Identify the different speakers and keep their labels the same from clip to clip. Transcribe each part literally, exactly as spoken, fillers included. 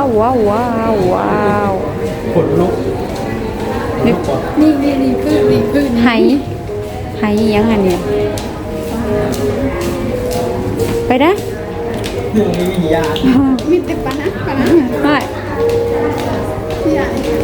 Speaker 1: าวว้าวว้าวว้าว
Speaker 2: ขนนก
Speaker 1: นึก
Speaker 3: นี่นี่นี่คือนี่คือ
Speaker 1: ไหไหยังไงเนี่ยไปนะ
Speaker 2: เรื่องนี้มียา
Speaker 3: มีแต่ปะนะปะนะ
Speaker 1: ไม่
Speaker 3: ใหญ่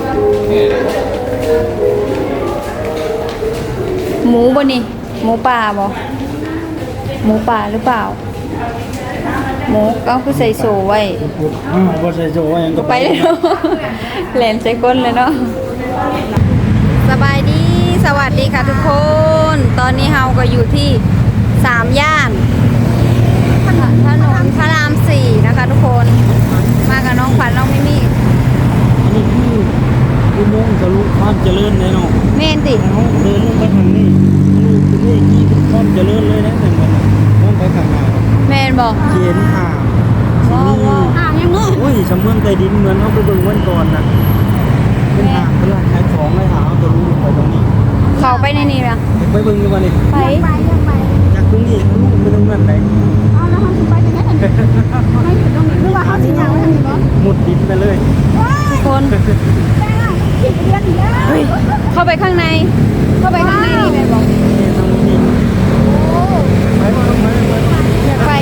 Speaker 1: หมูบ่นี่หมูป่าบ่หมูป่าหรือเปล่าหมูก็คือใส่โซไว้
Speaker 2: อ่าบ่ใช่โจ้ยังก็
Speaker 1: ไปเลยเนาะแหลนใส่ก้นเลยเนาะสบายดีสวัสดีค่ะทุกคน ตอนนี้เฮาก็อยู่ที่สามย่านถนนพระรามสี่นะคะทุกคนมากับน้องขวัญน้องมิมี่
Speaker 2: นี่คืออุโมงค์ทะลุความเจริญเลยเนาะ
Speaker 1: เมนติ
Speaker 2: แล้วเดินลงไปทางนี้ทะลุตรงนี้กี่ความเจริญเลยนะแต่มันมองไปข้างหน้า
Speaker 1: เมนบอก
Speaker 2: เขียนอ่าง
Speaker 1: ว้าวว้าว
Speaker 3: อ่างยังเนาะ
Speaker 2: โอ้ยสำเมืองใต้ดินเหมือนเอาไปเบิ่งวันก่อนนะเป็นอ่างเป็นร้านขายของเลยหาเอาทะลุลงไปตรงนี้
Speaker 1: เข้าไปในนี้ละ
Speaker 2: ไปเบิ่งดีกว่านี่
Speaker 1: ไป
Speaker 3: ไปยังไป
Speaker 2: จากตรงนี้ทะลุไปตรงนั้นไหน
Speaker 3: เอาแล้วเขาสิไปยังไงกันไม่ถึงตรงนี้หรือว่าเขาสิยาวไว้ทางนี้บ่
Speaker 2: มุดดินไปเลย
Speaker 1: ทุกคน
Speaker 3: แม่ผิดเรียนอีกแล้ว
Speaker 1: เฮ้ยเข้าไปข้างใน เข้าไปข้างในนี่แมนบอก
Speaker 2: นี่ตรงนี้
Speaker 3: โอ้
Speaker 2: ไปไปไปไปไป
Speaker 1: อยากไป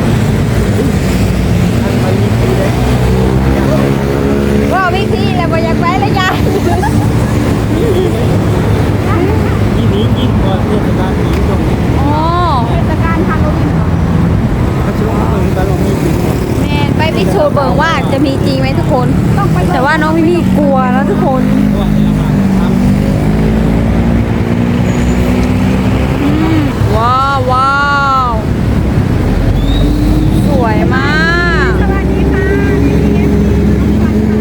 Speaker 2: ไปนี่ไปเลย
Speaker 1: ว่าวิธีแล้วบ่อยากไปแล้วยาย
Speaker 2: ที่นี้ยิ่งกว่าเทศกาลนี้ตรงนี้
Speaker 1: อ๋อ
Speaker 3: เทศกาลฮาโลวีนเหรอ
Speaker 2: เขาช่วงตรงกันเรามีถึง
Speaker 1: แมนไปพิสูจน์เบิ่งว่าจะมีจริงไหมทุกคน แต่ว่าน้องมิมี่กลัวแล้วทุกคน
Speaker 2: ว่าให้อาหารทำ
Speaker 1: อืมว้าวว้าวสวยมาก
Speaker 3: สวัสดีค่ะนี่น้องขวัญค่ะ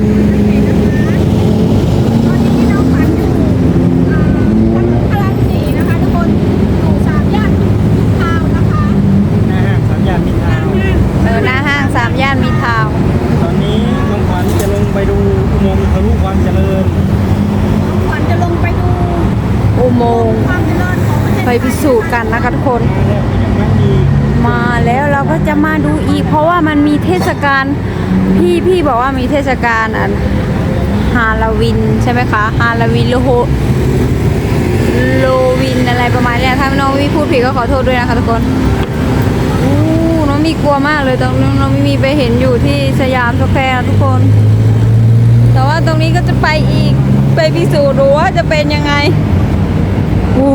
Speaker 3: ตอนนี้น้องขวัญอยู่อ่าถนนพระรามสี่นะคะทุกคนอยู่สามย่านทาวน์นะคะ
Speaker 2: นะฮะสามย่านมิตรทาวน์
Speaker 1: เออหน้าห้างสามย่านมีทาวน์
Speaker 2: ตอนนี้น้องขวัญจะลงไปดูอุโมงค์ทะลุความเจริญ
Speaker 3: น้องขวัญจะลงไปดู
Speaker 1: อุโมงค์
Speaker 3: ความเจริญของประเทศ
Speaker 1: ไปพิสูจน์กันนะคะทุกคน
Speaker 2: แล้วก็ยังไม่มี
Speaker 1: มาแล้วเราก็จะมาดูอีก เพราะว่ามันมีเทศกาลพี่พี่บอกว่ามีเทศกาลอันฮาโลวีนใช่ไหมคะฮาโลวีนโลโฮโลวินอะไรประมาณเนี้ยถ้าน้องวิพูดผิดก็ขอโทษด้วยนะคะทุกคนอู้น้องมีกลัวมากเลยตรงน้องน้องมีไปเห็นอยู่ที่สยามสแควร์นะทุกคน แต่ว่าตรงนี้ก็จะไปอีกไปพิสูจน์ดูว่าจะเป็นยังไงอู้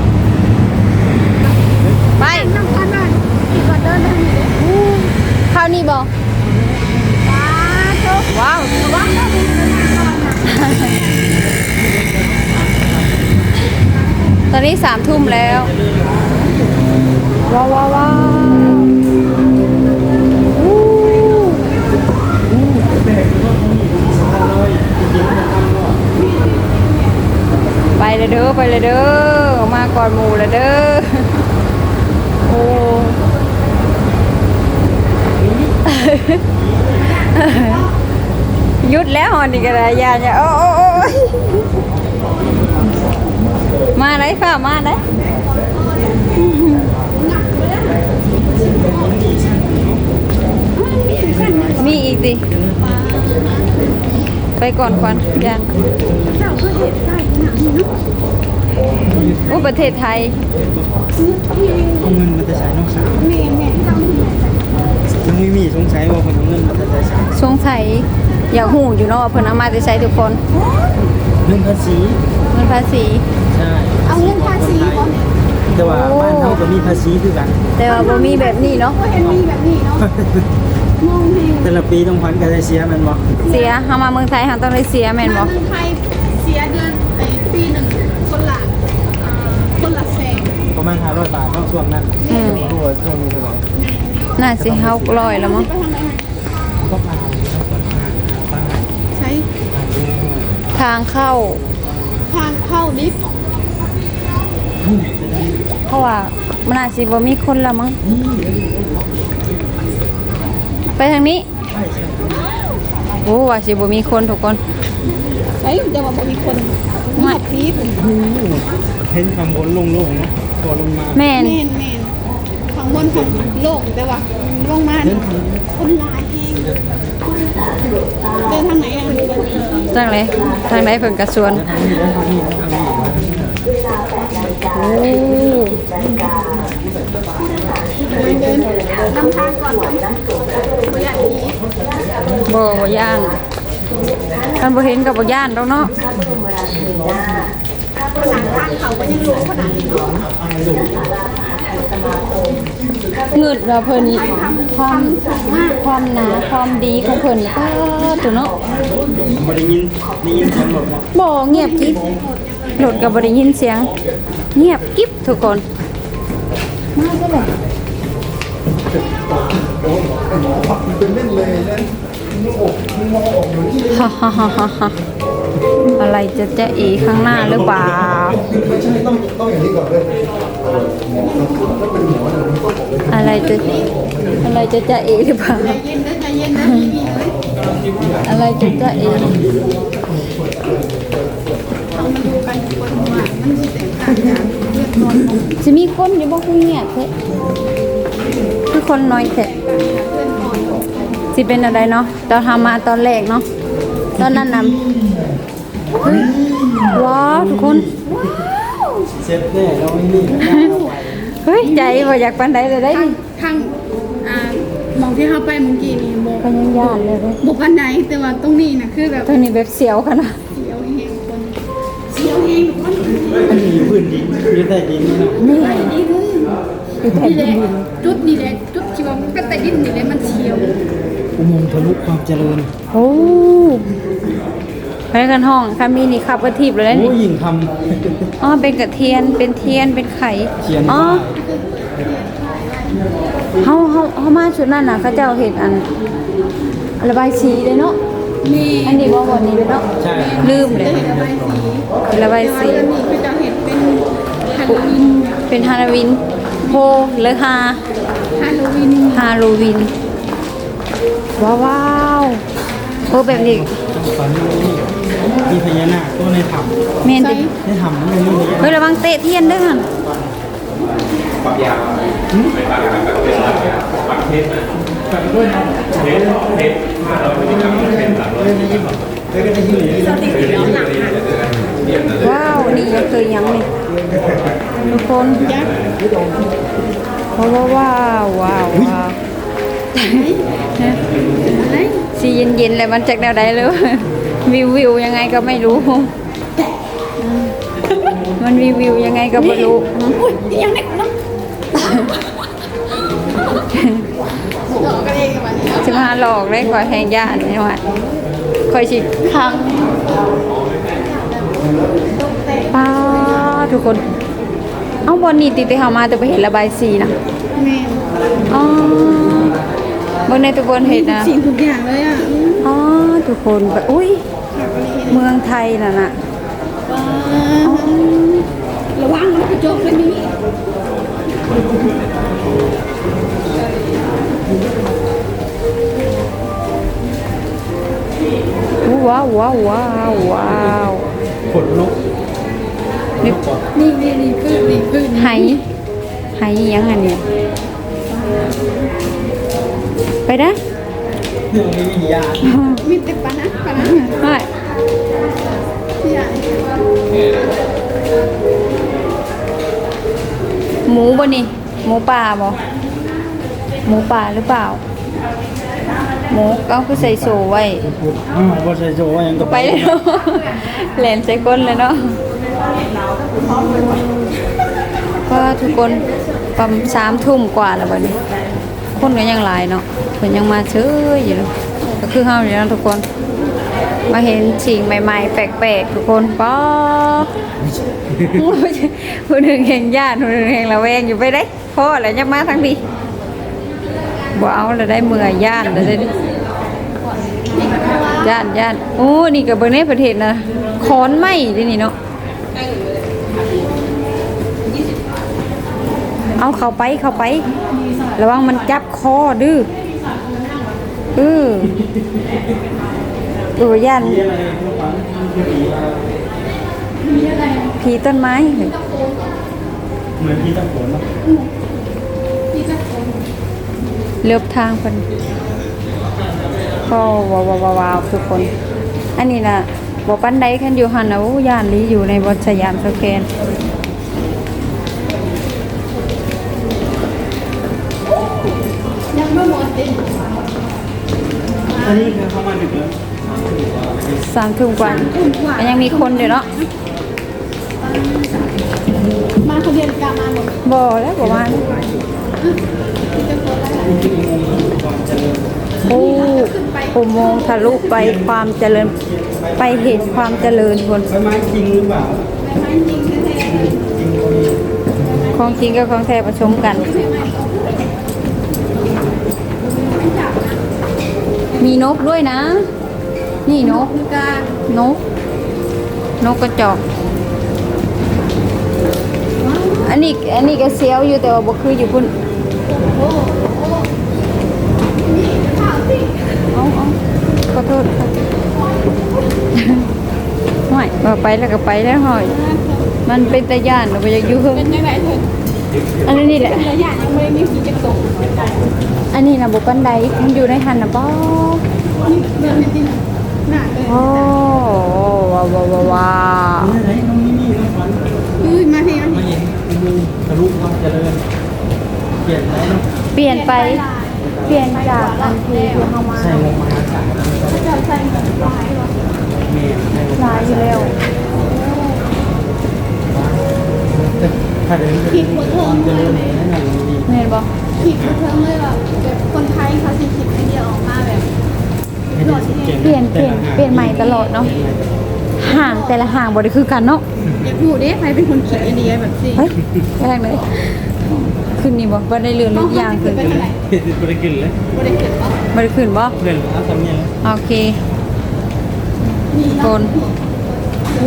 Speaker 1: ไป
Speaker 3: น้ำขวัญน่ะขี่รถเดินไปทางนี้เลย
Speaker 1: เข้านี่บอก
Speaker 3: ว้าโชค
Speaker 1: ว้าว
Speaker 3: ว้าวแล้วมีเดินทางก่อนนะ
Speaker 1: ตอนนี้สามทุ่มแล้ว ว้าวว้าวว้าวอู้ไปเลยเด้อไปเลยเด้อมาก่อนหมู่เลยเด้อโอ้หยุดแล้วหอนอีกอะไรยาเนี่ยโอ้โอ้โอ้ยมาไหนฝ่ามาไหนมีอีกดิไปก่อนควันยัง
Speaker 3: เจ้าก็เห็นได้ขนาดนี้เนาะ
Speaker 1: โอ้ประเทศไทย
Speaker 2: เอาเงินมาแต่ใช้น้องสาว
Speaker 3: แม่แม่เจ้าที่ไหนจ้ะ
Speaker 2: ยังไม่มีสงสัยว่าคนเอาเงินมาแต่ใช้
Speaker 1: สงสัยอยากหูอยู่เนาะว่าเพิ่นเอามาจะใช้ทุกคน
Speaker 2: เรื่องภาษี
Speaker 1: เงินภาษี
Speaker 2: ใช่
Speaker 3: เอาเงินภาษีบ่
Speaker 2: แต่ว่าบ้านเขาก็มีภาษีคือกัน
Speaker 1: แต่ว่าบ่มีแบบนี้เนาะ
Speaker 3: ก็เห็นมีแบบนี้เนาะงงเฮง
Speaker 2: แต่ละปีต้องพันกันได้เสียแมันบ่
Speaker 1: เสียเฮามาเมืองไทยเฮาต้องได้เสียแม่นบ่
Speaker 3: มาเมืองไทยเสียเดือนไอ้ปีหนึ่งคนละอ่าคนละแสน
Speaker 2: ประมาณห้าร้อยบาทเนอกช่วงนั้น
Speaker 1: อืม
Speaker 2: รู้ว่าช่วงนี้เท่าไหร่
Speaker 1: น่าสิเฮาร้อยแล้วมั้ง
Speaker 3: ไปทางไหน
Speaker 2: ก็ผ่านก็ผ่านผ่าน
Speaker 3: ใช้
Speaker 2: ผ่านดู
Speaker 1: ทางเข้า
Speaker 3: ทางเข้าลิฟต์
Speaker 1: เพราะว่ามันอาจสิบ่มีคนละมั้งไปทางนี้โอ้ว่าสิบ่มีคนทุกคน
Speaker 3: ใช้แต่ว่าบ่มีคนมีแต่ลิฟต์
Speaker 2: เห็นคำบนโล่งๆเนาะตัวลงมา
Speaker 1: แม่น
Speaker 3: แม่นแม่นข้างบนของโลกแต่ว่าลงมาเนี่ยคนหลายเองคนเดินทางไหนอ่ะ
Speaker 1: ทางไหนทางไหนเพิ่นกระสวนโอ้
Speaker 3: เดินนำทางก่อนก่อนประหยัดนี้
Speaker 1: บ่บ่ย่านคันบ่เห็นก็บ่ย่านดอกเนาะ
Speaker 3: ขนาดทางเขาก็ยังสูงขนาดนี้เนาะ
Speaker 1: เงิดว่าเพิ่นความความหนาความดีของเพิ่นนี่ก็ตัวเนาะ
Speaker 2: บ่ได้ยินได้ยินเสียงรถบ่
Speaker 1: บ่เงียบกิ๊บรถก็บ่ได้ยินเสียง เงียบกิ๊บทุกคน มาซะเลยฮ่าฮ่าฮ่าฮ่าฮ่าอะไรจะจะอีข้างหน้าหรือเปล่า อะไรจะอะไรจะจะเอหรือเปล่า
Speaker 3: ใจเย็นนะใจเย็นนะพี่ๆเลย
Speaker 1: อะไรจะจะเอ
Speaker 3: เอามาดูกันทุกคนว่ามันจะแตกต่างจากเลือดนอนของ
Speaker 1: จะมีคนอยู่บ่คือเงียบแท้คือคนน้อยแท้
Speaker 3: เลือดนอนของ
Speaker 1: สิเป็นอะไรเนาะตอนทำมาตอนแรกเนาะตอนนั้นน่ะเฮ้ยว้าวทุกคน
Speaker 2: เสร็จแน่เราไอ้นี่
Speaker 1: เฮ้ยใจบ่อยากปานใดเลยได้
Speaker 3: ทาง
Speaker 1: ดิ
Speaker 3: ทางอ่ามองที่เข้าไปเมื่อกี้นี่โบ
Speaker 1: ก็ยังย่านเลยเว้ย
Speaker 3: บุพันไหนแต่ว่าตรงนี้นะคือแบบ
Speaker 1: ตัวนี้แบบเสียวขนาด
Speaker 3: เสียวเฮงคนเสียวเฮงคน
Speaker 2: อันนี้อยู่พื้นดินอยู่ใต้ดินนี่นะ
Speaker 1: นี่
Speaker 3: ไปดีเลย
Speaker 1: คือแผ่น
Speaker 3: นี่แห
Speaker 1: ดิ
Speaker 3: ละ
Speaker 1: น
Speaker 3: จุดนี่แหละจุดที่ว่ามันก็แต่ดินนี่แหละมันเฉียว
Speaker 2: อุโมงค์ทะลุความเจริญ
Speaker 1: โอ้ไปกันห้องคามีนี่ขับกระทิบเลยนะ
Speaker 2: โอ้
Speaker 1: นี่
Speaker 2: ยิ่งท
Speaker 1: อ๋อเป็นกระเทียนเป็นเทียนเป็นไข่
Speaker 2: ำเขียน
Speaker 1: อ๋อ
Speaker 2: ว่า
Speaker 1: เฮาเฮาเฮามาชุดนั้นน่ะเขาเจ้าเห็นอันระบายสีเลยเนาะ
Speaker 3: มี
Speaker 1: อันนี้บ่วันนี้เลยเนาะ
Speaker 2: ใช่
Speaker 1: ลืมเลย
Speaker 3: ระบายสี
Speaker 1: ระบายสี
Speaker 3: แต่ว่าอันนี้คือจะเห็นเป็นฮาโลวีน
Speaker 1: เป็นฮาโลวีนโฮหรือฮา
Speaker 3: ฮาโลวีน
Speaker 1: ฮาโลวีนว้าวว้าวโอ้แบบนี้
Speaker 2: ฝันว่านี่มีพญานาคตัวในถ้
Speaker 1: แม่น
Speaker 3: ใส่
Speaker 1: ดิ
Speaker 2: ำในถ้ำมันมีพญา
Speaker 1: เฮ้ยระวังเตะเทียนเด้วยหั่น ว้าว นี่ยังเคยยังนี่ทุกคน
Speaker 3: ยักษ์
Speaker 1: เพราะว่าว้าวว้าวว้าว
Speaker 3: อะไร
Speaker 1: สีเย็นๆเลยมันจากแนวใดเลย วิววิวยังไงก็ไม่รู้ มันวิววิวยังไงก็ไม่รู้
Speaker 3: อุ้ยยังเด็กเนาะหลอกกันเองกับมันเนี่ย
Speaker 1: จะมาหลอกได้ก่อยแหงย่านนี่ว่าคอยชิครั้งป้าทุกคน เอ้าบนนี้ติดไปเฮามาแต่ไปเห็นระบายสีนะ
Speaker 3: แม่
Speaker 1: อ๋อบนในทุกคนเห็นนะ
Speaker 3: สิ่งทุกอย่างเลยอ่ะ
Speaker 1: อ๋อทุกคนแบบอุ้ยเมืองไทยน่ะนะอ๋อ
Speaker 3: ระวังมันกระจกเลยนี่
Speaker 1: ว้าวว้าวว้าวว้าว
Speaker 2: ขนนก
Speaker 1: นึก
Speaker 3: นี่นี่นี่คือนี่คือ
Speaker 1: ไหไหยังไงเนี่ยไปนะ
Speaker 2: เรื่องนี้วิญญาณ
Speaker 3: มีแต่ปะนะปะนะ
Speaker 1: ไป
Speaker 3: ที่ใหญ่
Speaker 1: หมูบ่นี่หมูป่าบ่หมูป่าหรือเปล่า หมูก็คือใส่โซไว้
Speaker 2: อ้าวบ่ใช่โจว่าหยังก็
Speaker 1: ไปเลยเนาะแหลนใส่ก้นเลยเนาะก็ทุกคนประมาณสามทุ่มกว่าแล้วบัดนี้ คนก็ยังหลายเนาะเพิ่นยังมาเชยอยู่เนาะก็คือเฮาอยู่เนาะทุกคน มาเห็นสิ่งใหม่ๆ แปลกๆทุกคนป๊อผู้หนึ่งแห่งญาติผู้หนึ่งแห่งระแวงอยู่ไปได้พ่อแล้วยังมาทั้งดีบ่เอาแล้วได้เมื่อยญาติแล้วได้ญาติญาติโอ้นี่ก็เบิ่งในประเทศนะขอนไม้ดินี่เนาะเอาเข้าไปเข้าไประวังมันจับคอดื้อเออดูย่านผีต้นไม้เฮ้ย
Speaker 2: เหมือนที่ตะโขนเนาะ
Speaker 3: ที่จะคน
Speaker 1: เลือบทางเพิ่นก็ว้าวว้าวว้าวทุกคน อันนี้นะบอกปันไดคันอยู่หันนะโอ้ย่านนี้อยู่ในบนสยามสแกน
Speaker 3: ยังไม่หมดดิ
Speaker 2: อันนี้คือเข้ามาดึกแล้ว
Speaker 1: สามทุ่มกว่ามันยังมีคนอยู่เนาะ
Speaker 3: มาคนเดียวกามาหมด
Speaker 1: บ่แล้วบอกว่า
Speaker 3: จะโกรธอะไร
Speaker 1: โอ้อุโมงค์ทะลุไปความเจริญไปเห็นความเจริญคน
Speaker 2: ใบไม้จริงหรือเปล่า
Speaker 3: ใบไม้จริงแท้ๆเลย
Speaker 2: จริงก็มี
Speaker 1: ของจริงกับของแท้ผสมกัน
Speaker 3: ไม่จับนะ
Speaker 1: มีนกด้วยนะ นี่นก
Speaker 3: คือกาน
Speaker 1: ก นกกระจอก อันนี้อันนี้ก็เซียวอยู่แต่ว่าบ่คืออยู่พุ่น
Speaker 3: โอ้โหนี่ข่าวสิ
Speaker 1: เอาเอาขอโทษค่ะห่วยว่าไปแล้วก็ไปแล้วห่อย มันเป็นตาย่านเราไปอยากอยู่เพิ่ม
Speaker 3: เป็นยังไงเธอ
Speaker 1: อันนี้นี่แหละ
Speaker 3: ระยะยังไม่ได้มีผีจะตก
Speaker 1: อันนี้นะบุปันไดมันอยู่ในหันนะป้อ
Speaker 3: นี่เดินจริงหนักเลย
Speaker 1: โอ้ว้าวว้าวว้าวว้าว
Speaker 2: นี่ไหนน้องนี่นี่น้องขวัญ
Speaker 3: อุ้ยมาทีมา
Speaker 2: มา
Speaker 3: ที
Speaker 2: เห็นดูทะลุความเจริญเปลี่ยนไหมเนาะ
Speaker 1: เปลี่ยนไป เปลี่ยนจากอันที่ที่เข้ามา
Speaker 2: ใส่ลงมาหาสารแล้ว
Speaker 3: จะเจอใส่เหมือนลายหรอ
Speaker 2: เมย์ให้ลง
Speaker 1: ลายอยู่แล้ว
Speaker 2: ถ้าเดินไปความเจริญนั่นแหละดี
Speaker 1: เห็นบอก
Speaker 3: ผิดเพิ่มเลยแบบแบบคนไทยเขาสิผิดไอเดียออกมาแบบหลอดที่
Speaker 1: เปลี่ยนเปลี่ยนเปลี่ยนใหม่ตลอดเนาะ ห่างแต่ละห่างบ่ได้คือกันเนาะ
Speaker 3: อยากรู้เด้ใครเป็นคนคิดไอเดียแบบสิ
Speaker 1: เฮ้ยแรกเลย ขึ้นนี่บ่บ่ได้เรือนลูกยางขึ้น
Speaker 3: ไปเท่าไหร่
Speaker 2: บริกินเลย
Speaker 3: บริเกิดปะ
Speaker 1: บ่ได้ขึ้นบ่
Speaker 2: เพื่อนเอาทำเนี่ย
Speaker 1: โอเค
Speaker 3: มี
Speaker 1: โกนโอ้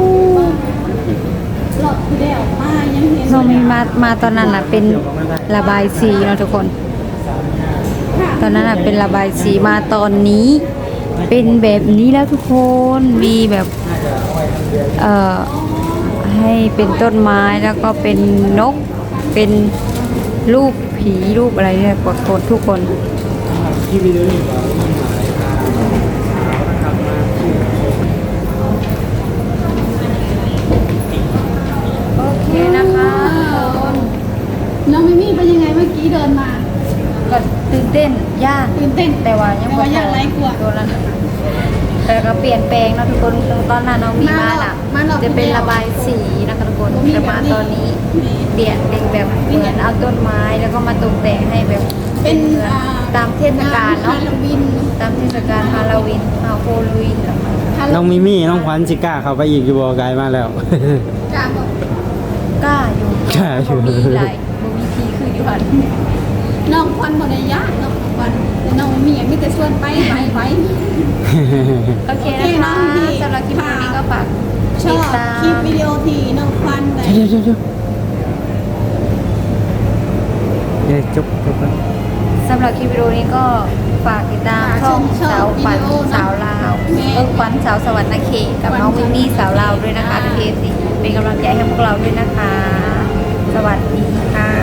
Speaker 3: หลอดที่ได้ออกมายังเห็น
Speaker 1: เรามีมามาตอนนั้นน่ะเป็นระบายสีเนาะทุกคน ตอนนั้นน่ะเป็นระบายสีมาตอนนี้ เป็นแบบนี้แล้วทุกคนมีแบบเอ่อให้เป็นต้นไม้แล้วก็เป็นนกเป็นรูปผีรูปอะไรเนี่ยปรากฏทุกคน
Speaker 2: ที่วิดีโอนี่ก็มีหมายทางนะครับมาที่
Speaker 1: โอเคนะคะ
Speaker 3: น้องมิมี่เป็นยังไงเมื่อกี้เดินมา
Speaker 1: ก็ตื่นเต้นยาก
Speaker 3: ตื่นเต้น
Speaker 1: แต่ว่ายัง
Speaker 3: แต่ว่ายังไร้กลัว
Speaker 1: ตัวนั้นแต่ก็เปลี่ยนแปลงเนาะทุกคนตอนนั้นน้องมีมาล่ะ
Speaker 3: มาหรอก
Speaker 1: จะเป็นระบายสีนะคะทุกคน
Speaker 3: บ่มี
Speaker 1: แต่
Speaker 3: แบบ
Speaker 1: มา
Speaker 3: นี้
Speaker 1: ตอนนี้เปลี่ยนเป็นแบบเหมือนเอาต้นไม้แล้วก็มาตกแต่งให้แบบ
Speaker 3: เป็น
Speaker 1: หมือน
Speaker 3: อ่า
Speaker 1: ตามเทศกาลเนาะ
Speaker 3: ฮาโลวีน
Speaker 1: ตามเทศกาลฮาโลวีนฮาโลวีนเหรอ
Speaker 2: น้องมิมี่น้องขวัญสิกล้าเข้าไปอีกอยู่บ่ไกลมาแล้ว
Speaker 3: กลางบอก
Speaker 1: กล้าอยู่
Speaker 2: กล้าอยู่
Speaker 1: บ่มีหลายบ่มีทีคืออยู่หัน
Speaker 3: น้องควันบนญาติน้องควันแต่น้องมีอย่างมีแต่ส่วนไปไปไป
Speaker 1: โอเค
Speaker 3: โอเค
Speaker 1: นะคะ
Speaker 3: น้องดี
Speaker 1: สำหรับคลิปนี้ก็ฝาก
Speaker 3: ช
Speaker 1: ติ
Speaker 3: อ
Speaker 1: ด
Speaker 3: บ
Speaker 1: ตา
Speaker 3: คลิป
Speaker 1: ม
Speaker 3: วิดีโอที่น้องควันแต่
Speaker 2: เดี๋ยวเดี๋ยวเดี๋ยวเดี๋ยวจบจบแล้ว
Speaker 1: สำหรับคลิปวิดีโอนี้ก็ฝากติดตามช่องสาวขวัญสาวลาวเออขวัญสาวสวรรค์นาเขตกับน้องวินนี่สาวลาวด้วยนะคะทีเอฟซีเป็นกำลังใจให้พวกเราด้วยนะคะ สวัสดีค่ะ